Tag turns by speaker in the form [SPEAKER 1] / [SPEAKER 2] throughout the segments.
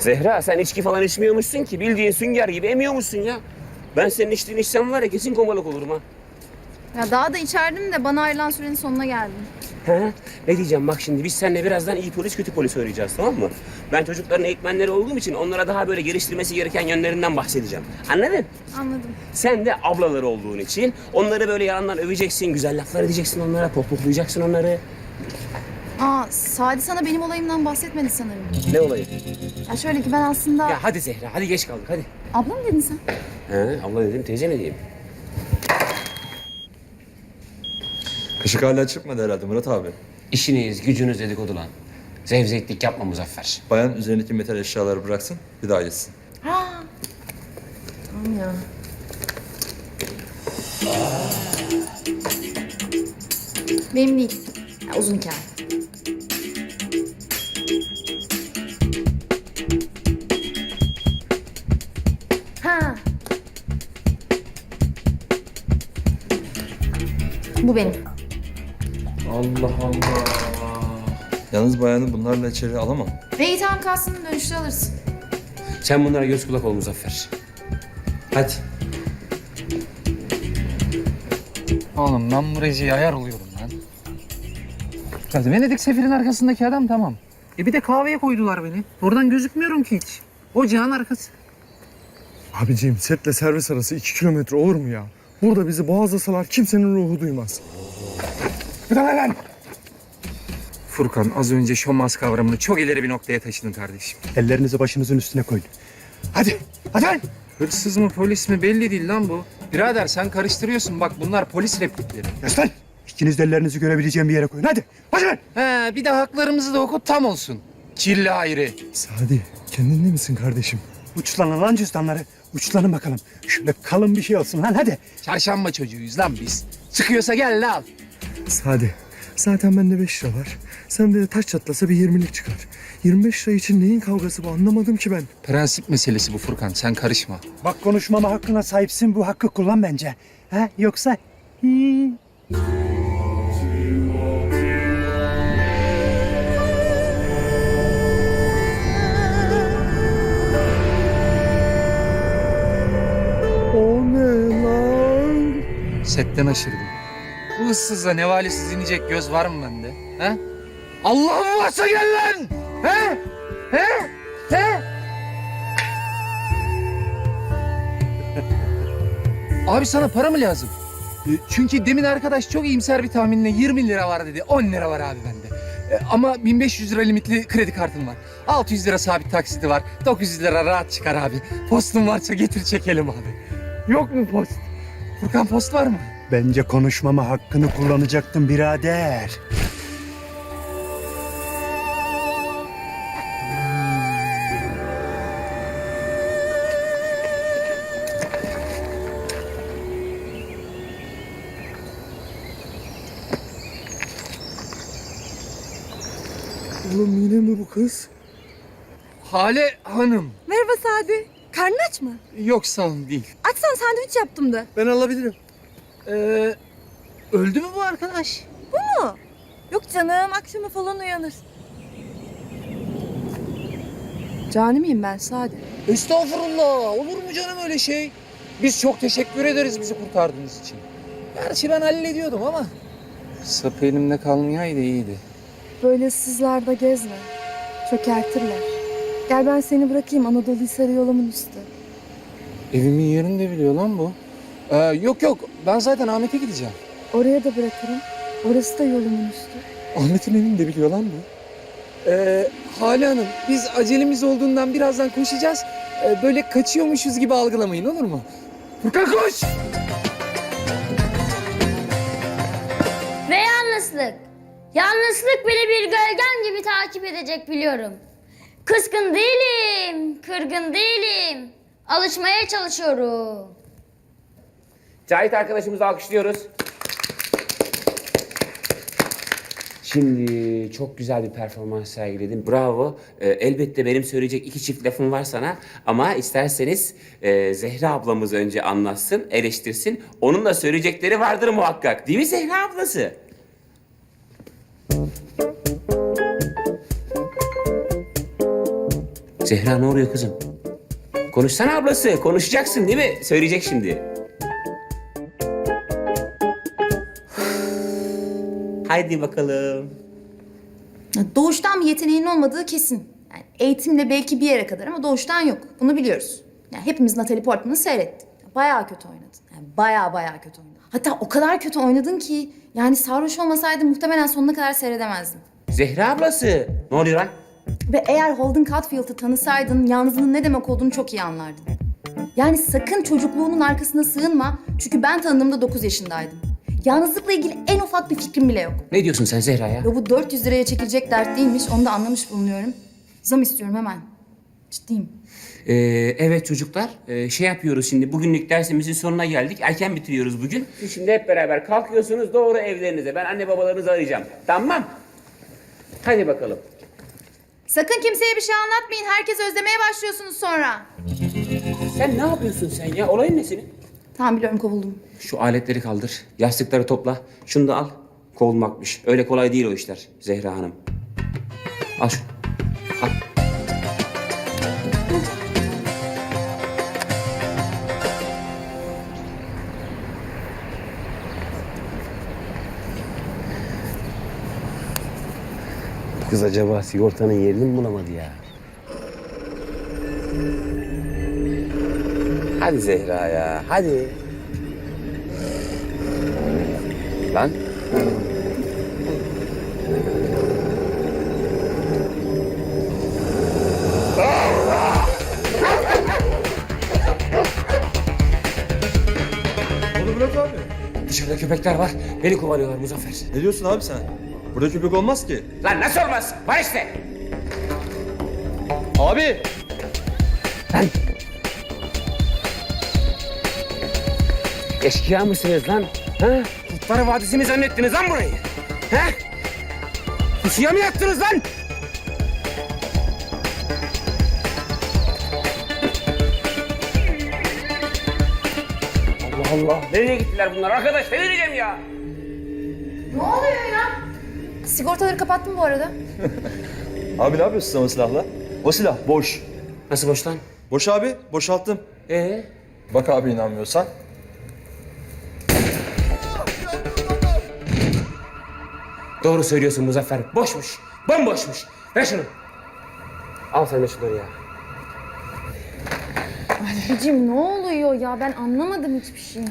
[SPEAKER 1] Zehra sen içki falan içmiyormuşsun ki. Bildiğin sünger gibi emiyormuşsun ya. Ben senin içtiğini içsem var ya kesin komalık olurum ha.
[SPEAKER 2] Ya daha da içerdim de bana ayrılan sürenin sonuna geldim.
[SPEAKER 1] He? Ne diyeceğim bak şimdi biz seninle birazdan iyi polis kötü polis oynayacağız tamam mı? Ben çocukların eğitmenleri olduğum için onlara daha böyle geliştirmesi gereken yönlerinden bahsedeceğim. Anladın?
[SPEAKER 2] Anladım.
[SPEAKER 1] Sen de ablaları olduğun için onları böyle yalandan öveceksin, güzel laflar edeceksin onlara, pohpohlayacaksın onları.
[SPEAKER 2] Aa, Sadi sana benim olayımdan bahsetmedi sanırım.
[SPEAKER 1] Ne olayı?
[SPEAKER 2] Ya şöyle ki ben aslında...
[SPEAKER 1] Ya hadi Zehra, hadi geç kaldık hadi.
[SPEAKER 2] Abla mı dedin sen?
[SPEAKER 1] He, abla dedim, teyze mi diyeyim?
[SPEAKER 3] Işık hala çıkmadı herhalde Murat abi.
[SPEAKER 1] İşiniz, gücünüz dedikodu lan. Zevzeklik yapma Muzaffer.
[SPEAKER 3] Bayan üzerindeki metal eşyaları bıraksın, bir daha yesin.
[SPEAKER 2] Ha. Tamam ya. Benim değil. Ya, uzun hikaye. Ha. Bu benim.
[SPEAKER 1] Allah Allah.
[SPEAKER 3] Yalnız bayanı bunlarla içeri alamam.
[SPEAKER 2] Ve itham kastını dönüşte alırsın.
[SPEAKER 1] Sen bunlara göz kulak ol Muzaffer. Hadi.
[SPEAKER 4] Oğlum ben bu Rezi'ye ayar oluyorum lan. Ya Venedik sefirin arkasındaki adam tamam. Bir de kahveye koydular beni. Oradan gözükmüyorum ki hiç. Ocağın arkası.
[SPEAKER 5] Abiciğim setle servis arası 2 kilometre olur mu ya? Burada bizi boğazlasalar kimsenin ruhu duymaz. Bir tane lan!
[SPEAKER 4] Furkan az önce şomaz kavramını çok ileri bir noktaya taşıdın kardeşim.
[SPEAKER 5] Ellerinizi başınızın üstüne koyun. Hadi, hadi lan!
[SPEAKER 4] Hırsız mı polis mi belli değil lan bu. Birader sen karıştırıyorsun bak bunlar polis replikleri.
[SPEAKER 5] Yas lan! İkiniz de ellerinizi görebileceğim bir yere koyun. Hadi, hadi lan!
[SPEAKER 4] He bir de haklarımızı da oku tam olsun. Kirli hayri.
[SPEAKER 5] Sadi, kendinde misin kardeşim? Uçlanın lan cüzdanları. Uçlanın bakalım. Şöyle kalın bir şey olsun lan hadi.
[SPEAKER 4] Çarşamba çocuğuyuz lan biz. Çıkıyorsa gel lan al.
[SPEAKER 5] Sadi, zaten bende 5 lira var. Sende de taş çatlasa bir 20'lik çıkar. 25 lira için neyin kavgası bu anlamadım ki ben.
[SPEAKER 4] Prensip meselesi bu Furkan sen karışma.
[SPEAKER 5] Bak konuşmama hakkına sahipsin. Bu hakkı kullan bence. Ha? Yoksa... O ne lan?
[SPEAKER 4] Setten aşırdım. Bu ıssızla nevalesiz inecek göz var mı bende? He? Allah'ım varsa gel lan! He? He? He? Abi sana para mı lazım? Çünkü demin arkadaş çok iyimser bir tahminle 20 lira var dedi. 10 lira var abi bende. Ama 1500 lira limitli kredi kartım var. 600 lira sabit taksiti var. 900 lira rahat çıkar abi. Postun varsa getir çekelim abi. Yok mu post? Furkan post var mı?
[SPEAKER 5] Bence konuşmama hakkını kullanacaktın birader. Oğlum yine mi bu kız?
[SPEAKER 4] Hale Hanım.
[SPEAKER 6] Merhaba Sadi. Karnın aç mı?
[SPEAKER 4] Yok sağ olun değil.
[SPEAKER 6] Açsan sandviç yaptım da.
[SPEAKER 5] Ben alabilirim.
[SPEAKER 4] Öldü mü bu arkadaş?
[SPEAKER 6] Bu mu? Yok canım akşama falan uyanır. Cani miyim ben Sadi?
[SPEAKER 4] Estağfurullah. Olur mu canım öyle şey? Biz çok teşekkür ederiz bizi kurtardığınız için. Gerçi ben hallediyordum ama. Sapı elimde kalmayaydı iyiydi.
[SPEAKER 6] Böyle ıssızlarda gezme. Çökertirler. Gel ben seni bırakayım Anadolu Hisarı yolumun üstü.
[SPEAKER 4] Evimin yerini de biliyor lan bu. Yok ben zaten Ahmet'e gideceğim.
[SPEAKER 6] Oraya da bırakırım. Orası da yolumun üstü.
[SPEAKER 4] Ahmet'in evini de biliyor lan bu. Hale Hanım biz acelemiz olduğundan birazdan koşacağız. Böyle kaçıyormuşuz gibi algılamayın olur mu? Furkan koş!
[SPEAKER 7] Ve yalnızlık. Yalnızlık beni bir gölgem gibi takip edecek biliyorum. Kızgın değilim, kırgın değilim. Alışmaya çalışıyorum.
[SPEAKER 1] Cahit arkadaşımızı alkışlıyoruz. Şimdi çok güzel bir performans sergiledin. Bravo. Elbette benim söyleyecek 2 çift lafım var sana. Ama isterseniz Zehra ablamız önce anlatsın, eleştirsin. Onun da söyleyecekleri vardır muhakkak. Değil mi Zehra ablası? Zehra ne oluyor kızım? Konuşsana ablası. Konuşacaksın değil mi? Söyleyecek şimdi. Haydi bakalım.
[SPEAKER 2] Doğuştan bir yeteneğin olmadığı kesin. Yani eğitimle belki bir yere kadar ama doğuştan yok. Bunu biliyoruz. Yani hepimiz Natalie Portman'ı seyrettik. Bayağı kötü oynadın. Yani bayağı kötü oynadın. Hatta o kadar kötü oynadın ki yani sarhoş olmasaydı muhtemelen sonuna kadar seyredemezdim.
[SPEAKER 1] Zehra ablası. Ne oluyor lan?
[SPEAKER 2] Ve eğer Holden Caulfield'ı tanısaydın yalnızlığın ne demek olduğunu çok iyi anlardın. Yani sakın çocukluğunun arkasına sığınma. Çünkü ben tanıdığımda 9 yaşındaydım. Yalnızlıkla ilgili en ufak bir fikrim bile yok.
[SPEAKER 1] Ne diyorsun sen Zehra ya?
[SPEAKER 2] Ve bu 400 liraya çekilecek dert değilmiş. Onu da anlamış bulunuyorum. Zam istiyorum hemen. Ciddiyim.
[SPEAKER 1] Evet çocuklar, şey yapıyoruz şimdi. Bugünlük dersimizin sonuna geldik. Erken bitiriyoruz bugün. Siz şimdi hep beraber kalkıyorsunuz doğru evlerinize. Ben anne babalarınızı arayacağım. Tamam. Hadi bakalım.
[SPEAKER 2] Sakın kimseye bir şey anlatmayın. Herkes özlemeye başlıyorsunuz sonra.
[SPEAKER 1] Sen ne yapıyorsun sen ya? Olayın ne senin?
[SPEAKER 2] Tamam biliyorum kovuldum.
[SPEAKER 1] Şu aletleri kaldır. Yastıkları topla. Şunu da al. Kovulmakmış. Öyle kolay değil o işler Zehra Hanım. Al şunu. Al. Kız acaba sigortanın yerini mi bulamadı ya? Hadi Zehra ya, hadi. Lan.
[SPEAKER 3] Oğlum Murat abi.
[SPEAKER 1] Dışarıda köpekler var. Beni kovalıyorlar Muzaffer.
[SPEAKER 3] Ne diyorsun abi sen? Burada köpek olmaz ki.
[SPEAKER 1] Lan nasıl olmaz? Var işte.
[SPEAKER 3] Abi!
[SPEAKER 1] Lan. Eşkıya mısınız lan? Ha? Kurtlar Vadisi mi zannettiniz lan burayı? Ha? Pusuya mı yattınız lan? Allah Allah. Nereye gittiler bunlar arkadaş? Ne vereceğim ya?
[SPEAKER 2] Ne oluyor ya? Sigortaları kapattım bu arada.
[SPEAKER 3] Abi ne yapıyorsun sen o silahla? O silah boş.
[SPEAKER 1] Nasıl boş lan?
[SPEAKER 3] Boş abi, boşalttım. Bak abi inanmıyorsan.
[SPEAKER 1] Doğru söylüyorsun Muzaffer. Boşmuş. Bomboşmuş. Ver şunu. Al sen de şunları ya.
[SPEAKER 6] Anneciğim ne oluyor ya? Ben anlamadım hiçbir şey.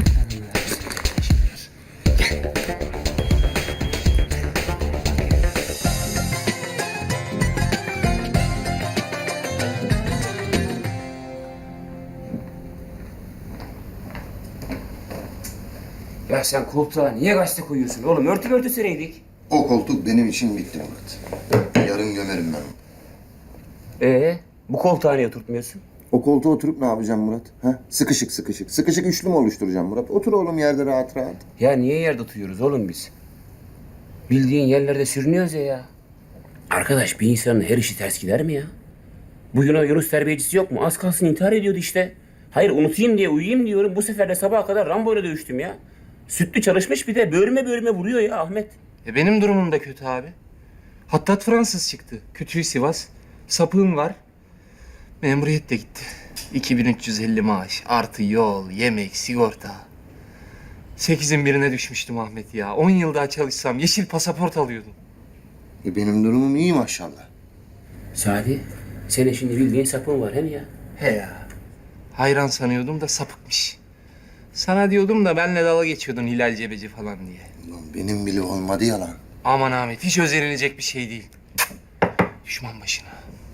[SPEAKER 1] Ya sen koltuğa niye gazete koyuyorsun oğlum? Örtü sereydik.
[SPEAKER 8] O koltuk benim için bitti Murat. Yarın gömerim ben onu.
[SPEAKER 1] Bu koltuğa niye oturtmuyorsun?
[SPEAKER 8] O koltuğa oturup ne yapacağım Murat? Ha? Sıkışık. Sıkışık üçlü mü oluşturacağım Murat? Otur oğlum yerde rahat rahat.
[SPEAKER 1] Ya niye yerde oturuyoruz oğlum biz? Bildiğin yerlerde sürünüyoruz ya. Arkadaş bir insanın her işi ters gider mi ya? Bu Yunus terbiyecisi yok mu? Az kalsın intihar ediyordu işte. Hayır unutayım diye uyuyayım diyorum. Bu sefer de sabaha kadar Rambo'yla dövüştüm ya. Sütlü çalışmış bir de bölüme vuruyor ya Ahmet.
[SPEAKER 4] Benim durumum da kötü abi. Hattat Fransız çıktı. Kütüğü Sivas. Sapığım var. Memuriyet de gitti. 2350 maaş. Artı yol, yemek, sigorta. 8'in birine düşmüştüm Ahmet ya. 10 yıl daha çalışsam yeşil pasaport alıyordum.
[SPEAKER 8] Benim durumum iyi maşallah.
[SPEAKER 1] Sadi, senin şimdi bildiğin sapın var hem ya.
[SPEAKER 4] He ya. Hayran sanıyordum da sapıkmış. Sana diyordum da benle dalga geçiyordun Hilal Cebeci falan diye.
[SPEAKER 8] Ulan benim bile olmadı yalan.
[SPEAKER 4] Aman Ahmet hiç özenilecek bir şey değil. Düşman başına.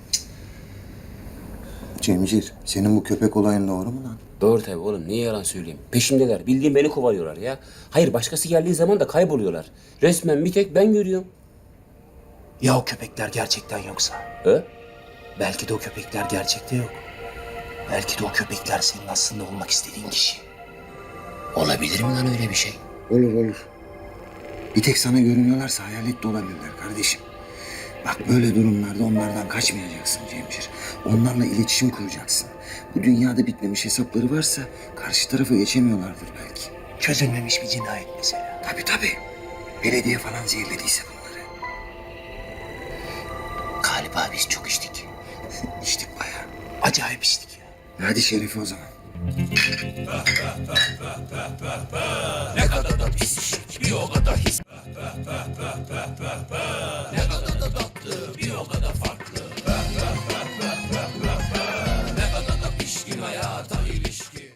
[SPEAKER 8] Cemcir, senin bu köpek olayın doğru mu lan?
[SPEAKER 1] Doğru tabii oğlum. Niye yalan söyleyeyim? Peşimdeler. Bildiğin beni kovalıyorlar ya. Hayır başkası geldiği zaman da kayboluyorlar. Resmen bir tek ben görüyorum.
[SPEAKER 9] Ya o köpekler gerçekten yoksa? Belki de o köpekler gerçekte yok. Belki de o köpekler senin aslında olmak istediğin kişi.
[SPEAKER 1] Olabilir mi lan öyle bir şey?
[SPEAKER 8] Olur. Bir tek sana görünüyorlarsa hayalet de olabilirler kardeşim. Bak böyle durumlarda onlardan kaçmayacaksın Cemcir. Onlarla iletişim kuracaksın. Bu dünyada bitmemiş hesapları varsa karşı tarafa geçemiyorlardır belki.
[SPEAKER 9] Çözülmemiş bir cinayet mesela.
[SPEAKER 8] Tabii. Belediye falan zehirlediyse bunları.
[SPEAKER 9] Galiba biz çok içtik. Acayip içtik ya.
[SPEAKER 8] Hadi Şerefi o zaman.